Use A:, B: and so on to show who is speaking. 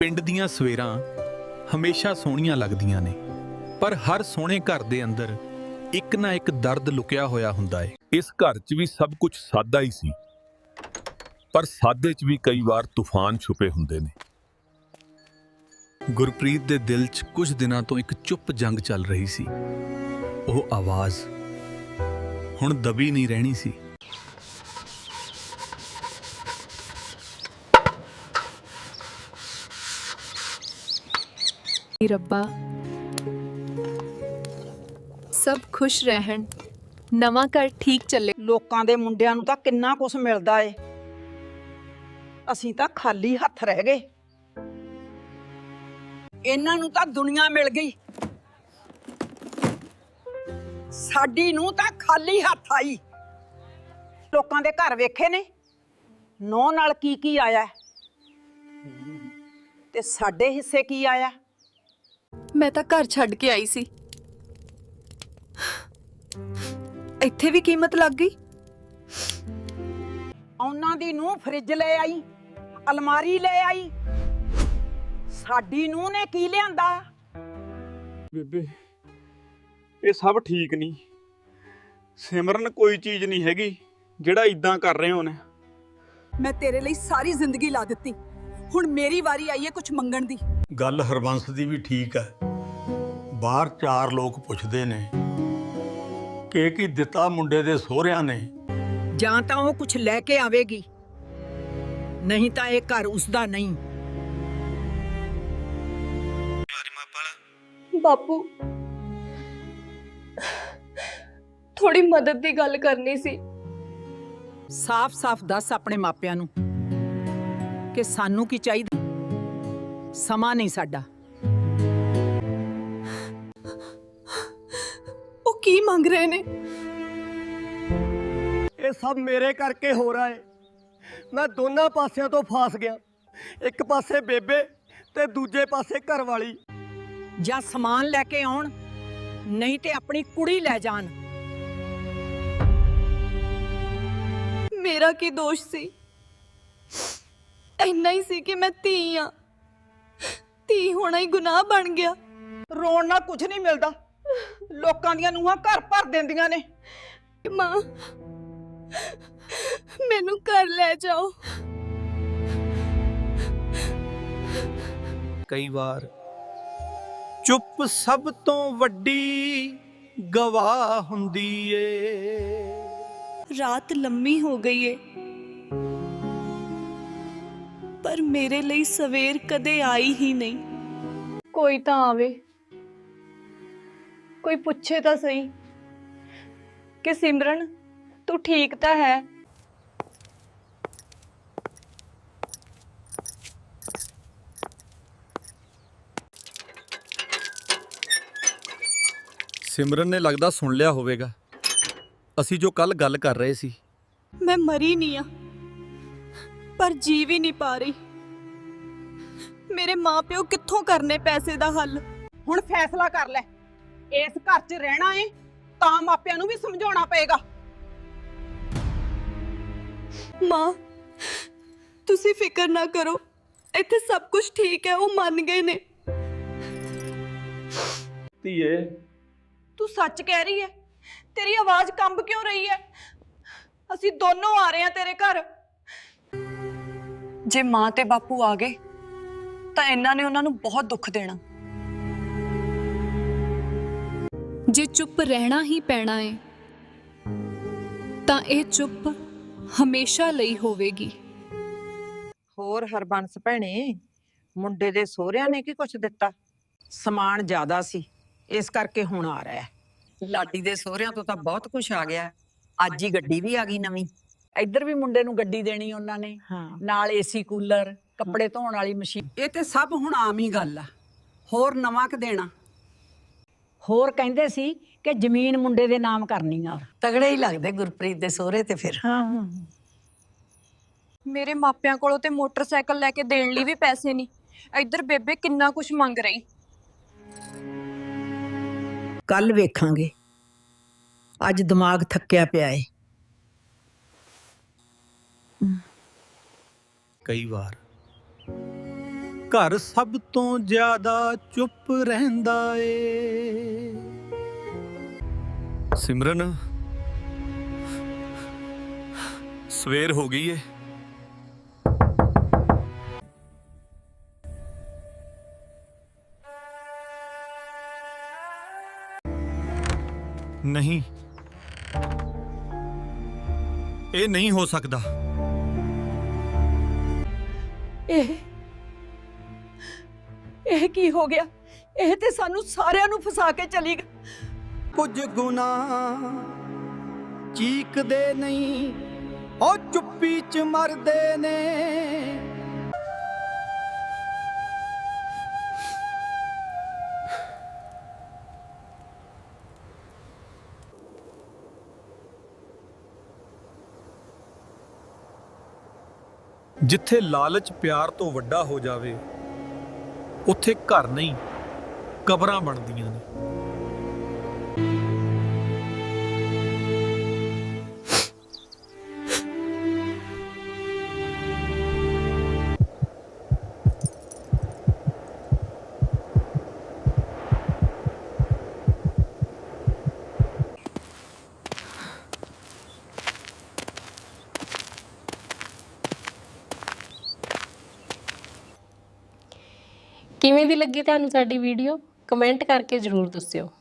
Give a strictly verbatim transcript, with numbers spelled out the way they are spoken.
A: ਪਿੰਡ ਦੀਆਂ ਸਵੇਰਾਂ ਹਮੇਸ਼ਾ ਸੋਹਣੀਆਂ ਲੱਗਦੀਆਂ ਨੇ, ਪਰ ਹਰ ਸੋਹਣੇ ਘਰ ਦੇ ਅੰਦਰ ਇੱਕ ਨਾ ਇੱਕ ਦਰਦ ਲੁਕਿਆ ਹੋਇਆ ਹੁੰਦਾ ਏ। ਇਸ ਘਰ 'ਚ ਵੀ ਸਭ ਕੁਝ ਸਾਦਾ ਹੀ ਸੀ, ਪਰ ਸਾਦੇ 'ਚ ਵੀ ਕਈ ਵਾਰ ਤੂਫਾਨ ਛੁਪੇ ਹੁੰਦੇ ਨੇ। ਗੁਰਪ੍ਰੀਤ ਦੇ ਦਿਲ 'ਚ ਕੁਝ ਦਿਨਾਂ ਤੋਂ ਇੱਕ ਚੁੱਪ ਜੰਗ ਚੱਲ ਰਹੀ ਸੀ। ਉਹ ਆਵਾਜ਼ ਹੁਣ ਦਬੀ ਨਹੀਂ ਰਹਿਣੀ ਸੀ।
B: ਰੱਬਾ ਸਭ ਖੁਸ਼ ਰਹਿਣ, ਨਵਾਂ ਘਰ ਠੀਕ ਚੱਲੇ।
C: ਲੋਕਾਂ ਦੇ ਮੁੰਡਿਆਂ ਨੂੰ ਤਾਂ ਕਿੰਨਾ ਕੁਛ ਮਿਲਦਾ ਏ, ਅਸੀਂ ਤਾਂ ਖਾਲੀ ਹੱਥ ਰਹਿ ਗਏ। ਇਹਨਾਂ ਨੂੰ ਤਾਂ ਦੁਨੀਆ ਮਿਲ ਗਈ, ਸਾਡੀ ਨੂੰ ਤਾਂ ਖਾਲੀ ਹੱਥ ਆਈ। ਲੋਕਾਂ ਦੇ ਘਰ ਵੇਖੇ ਨੇ ਨੌ ਨਾਲ ਕੀ ਕੀ ਆਇਆ ਤੇ ਸਾਡੇ ਹਿੱਸੇ ਕੀ ਆਇਆ।
B: ਮੈਂ ਤਾਂ ਘਰ ਛੱਡ ਕੇ ਆਈ ਸੀ, ਇੱਥੇ ਵੀ ਕੀਮਤ ਲੱਗ ਗਈ।
C: ਉਹਨਾਂ ਦੀ ਨੂੰ ਫਰਿੱਜ ਲੈ ਆਈ, ਅਲਮਾਰੀ ਲੈ ਆਈ, ਸਾਡੀ ਨੂੰ ਨੇ ਕੀ ਲਿਆਂਦਾ।
D: ਬੇਬੇ ਇਹ ਸਭ ਠੀਕ ਨਹੀਂ। ਸਿਮਰਨ ਕੋਈ ਚੀਜ਼ ਨਹੀਂ ਹੈਗੀ ਜਿਹੜਾ ਇਦਾਂ ਕਰ ਰਹੇ ਹੋਣ।
C: ਮੈਂ ਤੇਰੇ ਲਈ ਸਾਰੀ ਜ਼ਿੰਦਗੀ ਲਾ ਦਿੱਤੀ, ਹੁਣ ਮੇਰੀ ਵਾਰੀ ਆਈ ਹੈ ਕੁਝ ਮੰਗਣ ਦੀ।
E: ਗੱਲ ਹਰਬੰਸ ਦੀ ਵੀ ਠੀਕ ਹੈ। ਬਾਹਰ ਚਾਰ ਲੋਕ ਪੁੱਛਦੇ ਨੇ ਕਿ ਕੀ ਦਿੱਤਾ ਮੁੰਡੇ ਦੇ ਸਹੁਰਿਆਂ ਨੇ।
C: ਜਾਂ ਤਾਂ ਉਹ ਕੁਝ ਲੈ ਕੇ ਆਵੇਗੀ, ਨਹੀਂ ਤਾਂ ਇਹ ਘਰ ਉਸਦਾ ਨਹੀਂ।
B: ਬਾਪੂ ਥੋੜੀ ਮਦਦ ਦੀ ਗੱਲ ਕਰਨੀ ਸੀ।
C: ਸਾਫ਼-ਸਾਫ਼ ਦੱਸ ਆਪਣੇ ਮਾਪਿਆਂ ਨੂੰ ਕਿ ਸਾਨੂੰ ਕੀ ਚਾਹੀਦਾ। ਸਮਾਂ ਨਹੀਂ ਸਾਡਾ।
B: ਉਹ ਕੀ ਮੰਗ ਰਹੇ ਨੇ?
F: ਇਹ ਸਭ ਮੇਰੇ ਕਰਕੇ ਹੋ ਰਿਹਾ ਹੈ। ਮੈਂ ਦੋਨਾਂ ਪਾਸਿਆਂ ਤੋਂ ਫਸ ਗਿਆ, ਇੱਕ ਪਾਸੇ ਬੇਬੇ ਤੇ ਦੂਜੇ ਪਾਸੇ ਘਰ ਵਾਲੀ।
C: ਜਾਂ ਸਮਾਨ ਲੈ ਕੇ ਆਉਣ, ਨਹੀਂ ਤੇ ਆਪਣੀ ਕੁੜੀ ਲੈ ਜਾਣ।
B: ਮੇਰਾ ਕੀ ਦੋਸ਼ ਸੀ? ਇੰਨਾ ਹੀ ਸੀ ਕਿ ਮੈਂ ਧੀ ਆ, ਧੀ ਹੋਣਾ ਹੀ ਗੁਨਾਹ ਬਣ ਗਿਆ।
C: ਰੋਣ ਨਾਲ ਕੁਝ ਨਹੀਂ ਮਿਲਦਾ, ਲੋਕਾਂ ਦੀਆਂ ਨੂੰਹਾਂ ਘਰ ਭਰ ਦਿੰਦੀਆਂ ਨੇ।
B: ਮਾਂ ਮੈਨੂੰ ਘਰ ਲੈ ਜਾਓ।
A: ਕਈ ਵਾਰ ਚੁੱਪ ਸਭ ਤੋਂ ਵੱਡੀ ਗਵਾਹ ਹੁੰਦੀ ਏ।
B: ਰਾਤ ਲੰਮੀ ਹੋ ਗਈ ਏ, ਪਰ ਮੇਰੇ ਲਈ ਸਵੇਰ ਕਦੇ ਆਈ ਹੀ ਨਹੀਂ। ਕੋਈ ਤਾਂ ਆਵੇ, ਕੋਈ ਪੁੱਛੇ ਤਾਂ ਸਹੀ ਕਿ ਸਿਮਰਨ ਤੂੰ ਠੀਕ ਤਾਂ ਹੈ।
A: ਸਿਮਰਨ ਨੇ ਲੱਗਦਾ ਸੁਣ ਲਿਆ ਹੋਵੇਗਾ ਅਸੀਂ ਜੋ ਕੱਲ ਗੱਲ ਕਰ ਰਹੇ ਸੀ।
B: ਮੈਂ ਮਰੀ ਨਹੀਂ ਆ, ਪਰ ਜੀ ਵੀ ਨਹੀਂ ਪਾ ਰਹੀ। ਮੇਰੇ ਮਾਪਿਓ ਕਿੱਥੋਂ ਕਰਨੇ ਪੈਸੇ ਦਾ ਹੱਲ?
C: ਹੁਣ ਫੈਸਲਾ ਕਰ ਲੈ, ਇਸ ਘਰ 'ਚ ਰਹਿਣਾ ਏ ਤਾਂ ਮਾਪਿਆਂ ਨੂੰ ਵੀ ਸਮਝਾਉਣਾ ਪਏਗਾ।
B: ਮਾਂ ਤੁਸੀਂ ਫਿਕਰ ਨਾ ਕਰੋ, ਇੱਥੇ ਸਭ ਕੁਝ ਠੀਕ ਹੈ। ਉਹ ਮੰਨ ਗਏ ਨੇ।
D: ਧੀਏ
C: ਤੂੰ ਸੱਚ ਕਹਿ ਰਹੀ ਹੈ? ਤੇਰੀ ਆਵਾਜ਼ ਕੰਬ ਕਿਉਂ ਰਹੀ ਹੈ? ਅਸੀਂ ਦੋਨੋਂ ਆ ਰਹੇ ਹਾਂ ਤੇਰੇ ਘਰ।
G: ਜੇ ਮਾਂ ਤੇ ਬਾਪੂ ਆ ਗਏ ਤਾਂ ਇਹਨਾਂ ਨੇ ਉਹਨਾਂ ਨੂੰ ਬਹੁਤ ਦੁੱਖ ਦੇਣਾ।
H: ਜੇ ਚੁੱਪ ਰਹਿਣਾ ਹੀ ਪੈਣਾ ਹੈ ਤਾਂ ਇਹ ਚੁੱਪ ਹਮੇਸ਼ਾ ਲਈ ਹੋਵੇਗੀ।
C: ਹੋਰ ਹਰਬੰਸ ਭੈਣੇ, ਮੁੰਡੇ ਦੇ ਸਹੁਰਿਆਂ ਨੇ ਕੀ ਕੁਛ ਦਿੱਤਾ? ਸਮਾਨ ਜ਼ਿਆਦਾ ਸੀ, ਇਸ ਕਰਕੇ ਹੁਣ ਆ ਰਿਹਾ ਹੈ।
I: ਲਾਡੀ ਦੇ ਸਹੁਰਿਆਂ ਤੋਂ ਤਾਂ ਬਹੁਤ ਕੁਝ ਆ ਗਿਆ। ਅੱਜ ਹੀ ਗੱਡੀ ਵੀ ਆ ਗਈ ਨਵੀਂ। ਇੱਧਰ ਵੀ ਮੁੰਡੇ ਨੂੰ ਗੱਡੀ ਦੇਣੀ ਉਹਨਾਂ ਨੇ, ਨਾਲ ਏਸੀ ਕੂਲਰ, ਕੱਪੜੇ ਧੋਣ ਵਾਲੀ ਮਸ਼ੀਨ।
C: ਇਹ ਤੇ ਸਭ ਹੁਣ ਆਮ ਹੀ ਗੱਲ ਆ। ਹੋਰ ਨਵਾਂ ਕਿ ਦੇਣਾ?
I: ਹੋਰ ਕਹਿੰਦੇ ਸੀ ਕਿ ਜ਼ਮੀਨ ਮੁੰਡੇ ਦੇ ਨਾਮ ਕਰਨੀ ਆ। ਤਗੜੇ ਹੀ ਲੱਗਦੇ ਗੁਰਪ੍ਰੀਤ ਦੇ ਸਹੁਰੇ ਤੇ ਫਿਰ।
B: ਹਾਂ, ਮੇਰੇ ਮਾਪਿਆਂ ਕੋਲੋਂ ਤੇ ਮੋਟਰਸਾਈਕਲ ਲੈ ਕੇ ਦੇਣ ਲਈ ਵੀ ਪੈਸੇ ਨਹੀਂ। ਇੱਧਰ ਬੇਬੇ ਕਿੰਨਾ ਕੁਝ ਮੰਗ ਰਹੀ।
C: ਕੱਲ ਵੇਖਾਂਗੇ, ਅੱਜ ਦਿਮਾਗ ਥੱਕਿਆ ਪਿਆ ਏ।
A: ਕਈ ਵਾਰ ਘਰ ਸਭ ਤੋਂ ਜ਼ਿਆਦਾ ਚੁੱਪ ਰਹਿੰਦਾ ਏ। ਸਿਮਰਨ, ਸਵੇਰ ਹੋ ਗਈ ਏ। ਨਹੀਂ, ਇਹ ਨਹੀਂ ਹੋ ਸਕਦਾ।
B: ਇਹ ਇਹ ਕੀ ਹੋ ਗਿਆ? ਇਹ ਤੇ ਸਾਨੂੰ ਸਾਰਿਆਂ ਨੂੰ ਫਸਾ ਕੇ ਚਲੀ ਗਈ।
F: ਕੁਝ ਗੁਨਾਹ ਚੀਕਦੇ ਨਹੀਂ, ਉਹ ਚੁੱਪੀ ਚ ਮਰਦੇ ਨੇ।
A: ਜਿੱਥੇ ਲਾਲਚ ਪਿਆਰ ਤੋਂ ਵੱਡਾ ਹੋ ਜਾਵੇ, ਉੱਥੇ ਘਰ ਨਹੀਂ ਕਬਰਾਂ ਬਣਦੀਆਂ ਨੇ।
J: ਕਿਵੇਂ ਦੀ ਲੱਗੀ ਤੁਹਾਨੂੰ ਸਾਡੀ ਵੀਡੀਓ? ਕਮੈਂਟ ਕਰਕੇ ਜ਼ਰੂਰ ਦੱਸਿਓ।